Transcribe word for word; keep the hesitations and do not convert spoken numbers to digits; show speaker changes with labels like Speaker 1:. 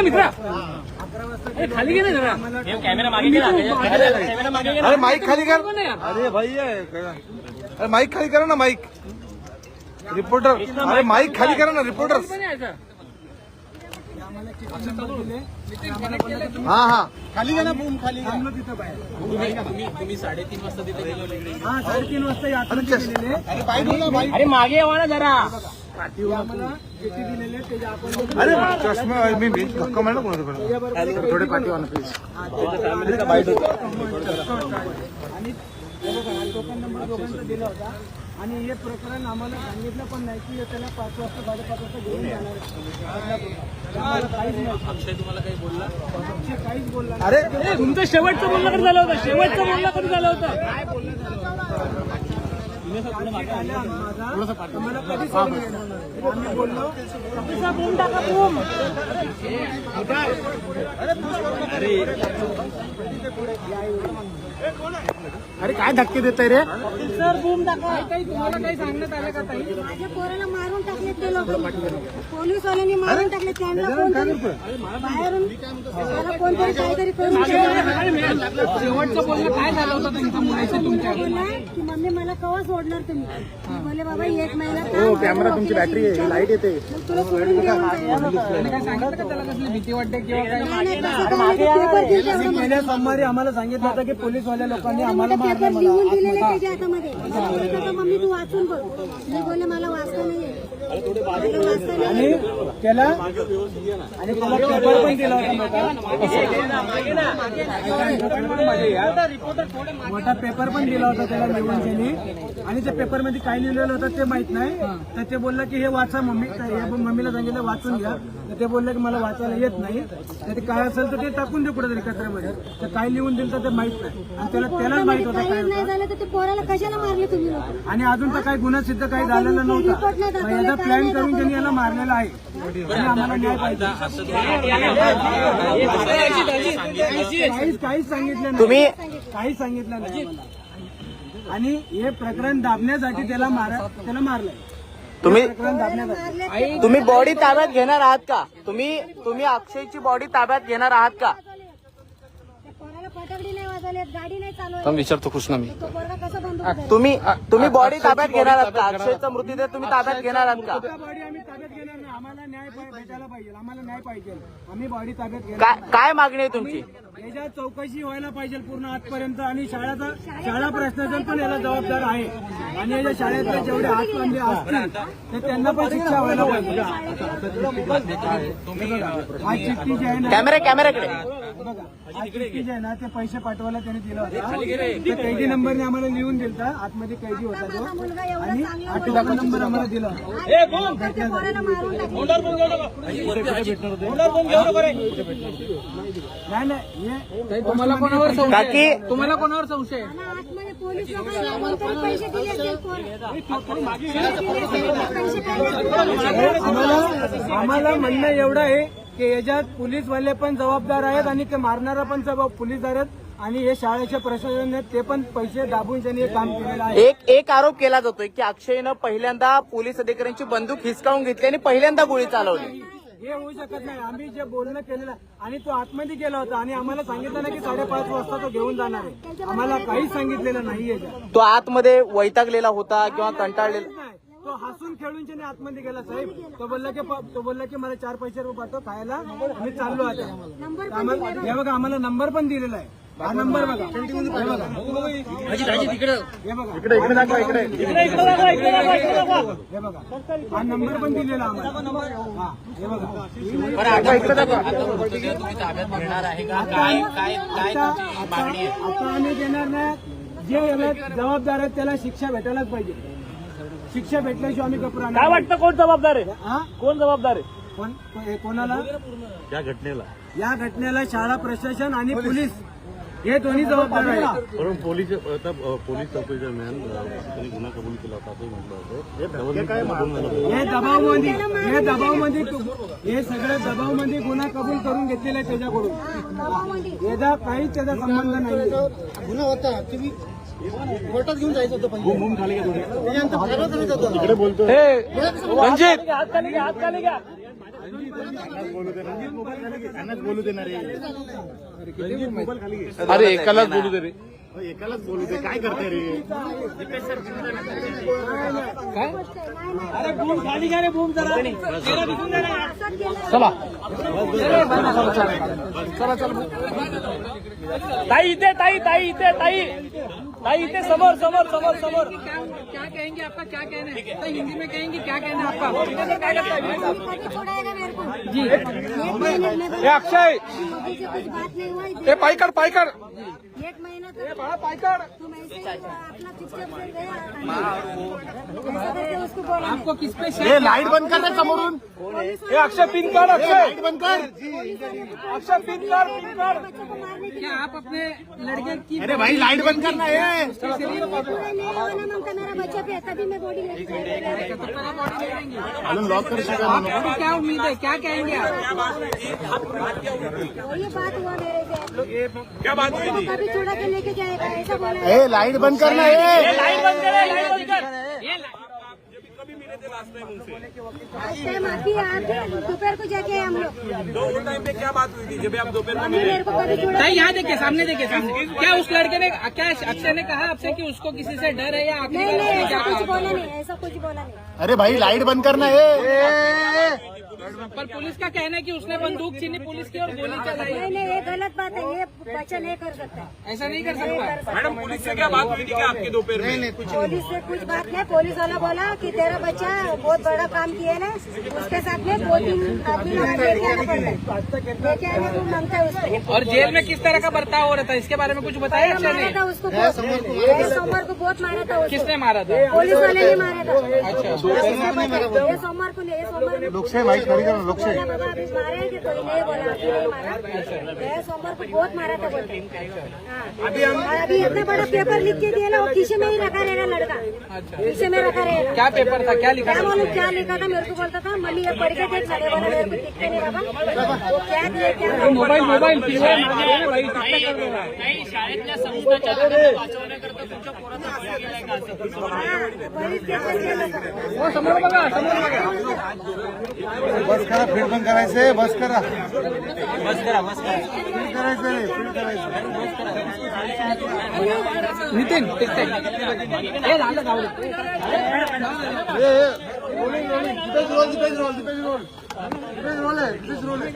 Speaker 1: मित्रा खाली घे ना जरा कॅमेरा मागे घे ना कॅमेरा मागे घे ना.
Speaker 2: अरे माईक खाली कर. अरे भाई अरे माईक खाली करा ना माईक. रिपोर्टर अरे माईक खाली करा ना रिपोर्टर. हा हा
Speaker 3: खाली गेला बूम खाली
Speaker 1: तुम्ही तुम्ही साडेतीन वाजता तिथे गेलो.
Speaker 3: हा साडेतीन वाजता यात्रा केलेले. अरे बाई बोला बाई.
Speaker 1: अरे मागे यावा ना जरा.
Speaker 3: आम्हाला किती दिलेले ते आपण
Speaker 2: अरे चष्मा मी मी धक्का मारला कोणाकडे थोडे पाठी वाला प्लीज.
Speaker 3: आणि टोकन नंबर दोघांचा दिला होता आणि हे प्रकरण आम्हाला सांगितलं पण नाही की त्याला पाच वाजता साडेपाच वाजता घेऊन जाणार आम्हाला काहीच नाही.
Speaker 1: अक्षय तुम्हाला काही बोलला?
Speaker 3: अक्षय काहीच बोलला
Speaker 2: अरे
Speaker 1: तुमचं शेवटचं बोलणं कधी झालं होतं? शेवटचं बोलणं कधी झालं होतं?
Speaker 3: मला कधी सोडून आम्ही बोललो बूम टाका बूम. अरे काय धक्के देताय रे सर बूम टाका. काही तुम्हाला काही सांगण्यात आलं का ताई?
Speaker 4: माझ्या पोराला मारून टाकले ते लोक पोलीसवाल्यांनी मारून टाकले त्यांना कोणतरी बाहेरून मला कोणतरी काहीतरी करून
Speaker 1: शेवटचं बोलणं काय झालं होतं तुमच्या मुलाचं तुमच्या?
Speaker 4: बोलला की मम्मी मला कवा सोडणार तुम्ही. मी बोलले बाबा एक महिना
Speaker 3: कॅमेरा तुमची बॅटरी आहे लाईट येते.
Speaker 4: तुला सोडून घेऊन जाईल.
Speaker 1: काय सांगितलं का त्याला कसली भीती वाटते किंवा काय?
Speaker 4: नाही, नाही, तसं काही नाही. पेपर दिले होते.
Speaker 3: गेल्या सोमवारी आम्हाला सांगितलं होतं की पोलीसवाल्या लोकांनी आम्हाला
Speaker 4: पेपर
Speaker 3: मारलं. मला
Speaker 4: लिहून दिलेले त्याच्या हातामध्ये बोलत होता मम्मी तू वाचून बघ. मी बोलले मला वाचता नाही येत. मला वाचता नाही
Speaker 3: आणि
Speaker 4: येत.
Speaker 3: त्याला आणि त्याला पेपर पण दिला होता मोठा मोठा पेपर पण दिला होता त्याला लिहून त्यांनी. आणि त्या पेपर मध्ये काय लिहिलेलं होतं ते माहित नाही. तर ते बोललं की हे वाचा मम्मी. तर हे मम्मीला सांगितलं वाचून घ्या. तर ते बोललं की मला वाचायला येत नाही. तर ते काय असेल तर ते टाकून दे कुठेतरी कचऱ्यामध्ये. तर काय लिहून दिलं तर ते माहित नाही. आणि त्याला त्यालाच माहित होतं काय
Speaker 4: काही नाही
Speaker 3: होतं.
Speaker 4: झालं तर ते पोराला कशाला मारले तुम्ही लोक?
Speaker 3: आणि अजून तर काही गुन्हा सिद्ध काही झालेला नव्हता. मग याचा प्लॅन करून त्यांनी याला मारलेला आहे. आणि आम्हाला न्याय पाहिजे. काहीच काहीच सांगितलं नाही.
Speaker 5: तुम्ही
Speaker 3: काहीच सांगितलं नाही आम्हाला. आणि हे प्रकरण दाबण्यासाठी त्याला मारा त्याला मारलंय.
Speaker 5: तुम्ही
Speaker 3: प्रकरण दाबण्यासाठी
Speaker 5: तुम्ही बॉडी ताब्यात घेणार आहात का? तुम्ही तुम्ही अक्षयची बॉडी ताब्यात घेणार आहात का?
Speaker 4: त्या पोराला फटाकडी नाही वाजवली, गाडी नाही चालवली.
Speaker 5: पण विचारतो कृष्णा मी.
Speaker 4: तो पोरगा कसा बंदूक धरेल?
Speaker 5: तुम्ही तुम्ही बॉडी ताब्यात घेणार आहात का? अक्षयचा मृतदेह तुम्ही ताब्यात घेणार आहात का?
Speaker 3: त्या बॉडी आम्ही ताब्यात घेणार नाही. आम्हाला न्याय पाहि- भेटायला पाहिजे. आम्हाला न्याय पाहिजे. आम्ही बॉडी ताब्यात घेणार
Speaker 5: काय
Speaker 3: नाही.
Speaker 5: काय मागणी आहे तुमची?
Speaker 3: याच्या चौकशी व्हायला पाहिजे पूर्ण आजपर्यंत. आणि शाळेचा शाळा प्रशासन पण याला जबाबदार आहे. आणि याच्या शाळेतले जेवढे हातबंदी असतील तर त्यांना पण शिक्षा व्हायला पाहिजे. हा चिठ्ठी जी आहे ना
Speaker 5: कॅमेरा कॅमेऱ्याकडे
Speaker 3: बघा, हा चिठ्ठी जी आहे ना ते पैसे पाठवायला त्यांनी दिला होता. ते कैदी नंबरने आम्हाला लिहून दिलता. आतमध्ये कैदी होता तो. आणि आठवा नंबर आम्हाला दिला होता.
Speaker 4: त्या पोराला मारून टाकले.
Speaker 3: नाही नाही हे
Speaker 1: तुम्हाला कोणावर संशय?
Speaker 5: काकी
Speaker 1: तुम्हाला कोणावर संशय?
Speaker 4: आणि आतमध्ये पोलीस लोकांना कोणतरी पैसे दिले असतील पोर. पैसे काय
Speaker 3: आम्हाला आम्हाला म्हणणं एवढं आहे की याच्यात पोलीसवाले पण जबाबदार आहेत आणि ते मारणारा पण जबाब पोलीसदार आहेत. आणि हे शाळेचे प्रशासन आहेत ते पण पैसे दाबून त्यांनी हे काम केलेलं आहे.
Speaker 5: एक एक आरोप केला जातोय की अक्षयनं पहिल्यांदा पोलीस अधिकाऱ्यांची बंदूक हिसकावून घेतली आणि पहिल्यांदा गोळी चालवली.
Speaker 3: हे होऊ शकत नाही. आम्ही जे बोलणं केलेलं आणि तो आतमध्ये गेला होता आणि आम्हाला सांगितलं नाही की साडेपाच वाजता तो घेऊन जाणार आहे. आम्हाला काहीच सांगितलेलं नाही याच्यात.
Speaker 5: तो आतमध्ये वैतागलेला होता किंवा कंटाळलेला?
Speaker 3: नाही. तो हसून खेळून त्याने आतमध्ये गेला साहेब. तो बोलला की तो बोलला की मला चार पैसे रुपये पाठव खायला. मी चाललो आता. आम्हाला हे बघा आम्हाला नंबर पण दिलेला आहे. हा नंबर बघा. हे बघा. हे बघा. हे बघा हा नंबर पण दिलेला आम्हाला. हा हे बघा. आता आता आम्ही देणार नाही. जे याला जबाबदार आहेत त्याला शिक्षा भेटायलाच पाहिजे. शिक्षा भेटल्याशिवाय आम्ही कपडा
Speaker 1: काय वाटतं कोण जबाबदार आहे?
Speaker 3: हा
Speaker 1: कोण जबाबदार आहे?
Speaker 3: कोण हे कोणाला
Speaker 2: या घटनेला
Speaker 3: या घटनेला शाळा प्रशासन आणि पोलीस हे दोन्ही जबाबदार आहेत.
Speaker 6: परंतु पोलीस आता पोलीस चौकशी दरम्यान त्यांनी गुन्हा कबूल केला होता असंही म्हटलं होतं.
Speaker 3: हे दबावमध्ये हे दबावमध्ये हे सगळं दबावमध्ये गुन्हा कबूल करून घेतलेला आहे त्याच्याकडून. याचा काहीच त्याचा संबंध नाही.
Speaker 6: गुन्हा होता तुम्ही कोर्टात घेऊन जायचं होतं. पण खाली इकडे बोलतो
Speaker 5: रणजित
Speaker 1: हात खाली घ्या, हात खाली घ्या.
Speaker 6: बोलू देणार त्यांनाच बोलू देणार आहे.
Speaker 2: अरे एकालाच बोलू दे रे.
Speaker 6: एकालाच बोलू दे. काय करते रे?
Speaker 3: अरे बूम खाली घ्या रे, बूम जरा
Speaker 2: चला
Speaker 1: ताई इथे ताई ताई इथे ताई ताई इथे समोर समोर समोर समोर
Speaker 3: क्या कहेंगे, आपका क्या कहना है? तो हिंदी में कहेंगे, क्या कहना है आपका?
Speaker 4: कभी छोड़ाएगा मेरे को
Speaker 3: जी
Speaker 4: एक महीने में
Speaker 2: ए अक्षय
Speaker 4: मोदी से कुछ बात नहीं हुआ
Speaker 2: ए पायकर पायकर
Speaker 4: एक महीना तो
Speaker 2: पायकर
Speaker 4: तुम ऐसे ही अपना चुपचाप से गया ऐसा करके उसको बोला
Speaker 3: आपको किस पे शक
Speaker 6: ए लाईट बंद कर रे समोरून.
Speaker 2: ए अक्षय पिन कर अक्षय
Speaker 6: लाईट बंद कर.
Speaker 2: अक्षय पिन कर पिन कर
Speaker 4: बच्चों को मारने के
Speaker 3: क्या आप अपने लड़के की
Speaker 6: अरे भाई लाईट बंद कर ना. ए
Speaker 4: लिए पूरा नहीं होगा ना ममता मेरा बच्चा पे तभी मैं बॉडी लेके जाऊंगा
Speaker 6: अजून लॉक करू शकत नाही.
Speaker 3: आपको क्या उम्मीद है, क्या कहेंगे आप?
Speaker 4: वही बात हुआ मेरे से क्या बात हुई थी कभी छोड़ा के लेके जाएगा ऐसा बोला
Speaker 6: ए लाईट बंद कर ना. ए
Speaker 1: लाईट बंद कर लाईट बंद कर
Speaker 4: टाइम आती है आती है दोपहर को जाके आए हम लोग
Speaker 7: तो उस टाइम पे क्या बात हुई थी जब आप दोपहर में
Speaker 4: मम्मी मेरे को कभी छोड़ा
Speaker 3: ताई यहाँ देखिए, सामने देखिए, सामने. क्या उस लड़के ने, क्या अक्षय ने कहा आपसे कि उसको किसी से डर है या आखिरी
Speaker 4: नहीं
Speaker 3: बार
Speaker 4: नहीं
Speaker 3: उसने
Speaker 4: ऐसा
Speaker 3: क्या
Speaker 4: कुछ
Speaker 3: कहा?
Speaker 4: बोला नहीं ऐसा कुछ बोला नहीं
Speaker 6: अरे भाई लाईट बंद कर ना. ए
Speaker 3: पर पुलिस का कहना है कि उसने बंदूक छीनी पुलिस की और गोली चलाई.
Speaker 4: नहीं नहीं ये गलत बात है ये बच्चा नहीं कर सकता
Speaker 3: ऐसा नहीं कर
Speaker 4: नहीं
Speaker 3: सकता.
Speaker 4: कर सकता
Speaker 7: मैडम पुलिस से क्या बात हुई थी क्या आपके दोपहर में?
Speaker 4: पुलिस से कुछ बात नहीं पुलिस वाला बोला कि तेरा बच्चा बहुत बड़ा काम किया ना उसके साथ में दो तीन आदमी लोग लेके आना पड़ता है लेके आने को मांगता है उसको
Speaker 3: और जेल में किस तरह का बर्ताव हो रहा था, इसके बारे में कुछ बताया अक्षय
Speaker 4: मारा
Speaker 3: ने?
Speaker 4: था उसको बहुत सोमवार को बहुत मारा था उसको
Speaker 3: किसने मारा था?
Speaker 4: पुलिस वाले ने मारा था ये सोमवार को नहीं ये सोमवार को
Speaker 6: लोकशाही माहीत खरी करा. लोकशाही
Speaker 4: बोला बाबा अभी मारे हैं कि कोई नहीं बोला अभी नहीं मारा ये सोमवार को बहुत मारा था बोलते हाँ अभी अभी इतना बड़ा पेपर लिख के दिया ना वो किसी में ही रखा रहेगा लड़का किसी में रखा रहेगा
Speaker 3: क्या पेपर था, क्या लिखा
Speaker 4: क्या
Speaker 3: था?
Speaker 4: मालूम क्या लिखा था मेरे को बोलता था मम्मी ये पढ़ के देख लगे बोला मेरे को दिखते नहीं बाबा वो क्या दिए क्या
Speaker 3: मोबाईल मोबाईल पिशव्या मागे आहे ना बाई,
Speaker 1: ताई शाळेतल्या संस्थाच्या लोकांना वाचवण्याकरता तुमच्या पोराचा हल्ला केलाय का असं?
Speaker 4: हाँ, पोलीस स्टेशन गेलो होतो.
Speaker 3: हो, समोर बघा, समोर बघा.
Speaker 2: बस करा फीड बंद करायचंय बस करा
Speaker 1: बस करा बस करा
Speaker 2: फीड करायचंय फीड करायचं
Speaker 3: नितीन तिथे. हे झालं जाऊ दे.
Speaker 2: ए, ए, rolling rolling Dipesh roll Dipesh roll Dipesh roll Dipesh roll आहे दीपेश रोल आहे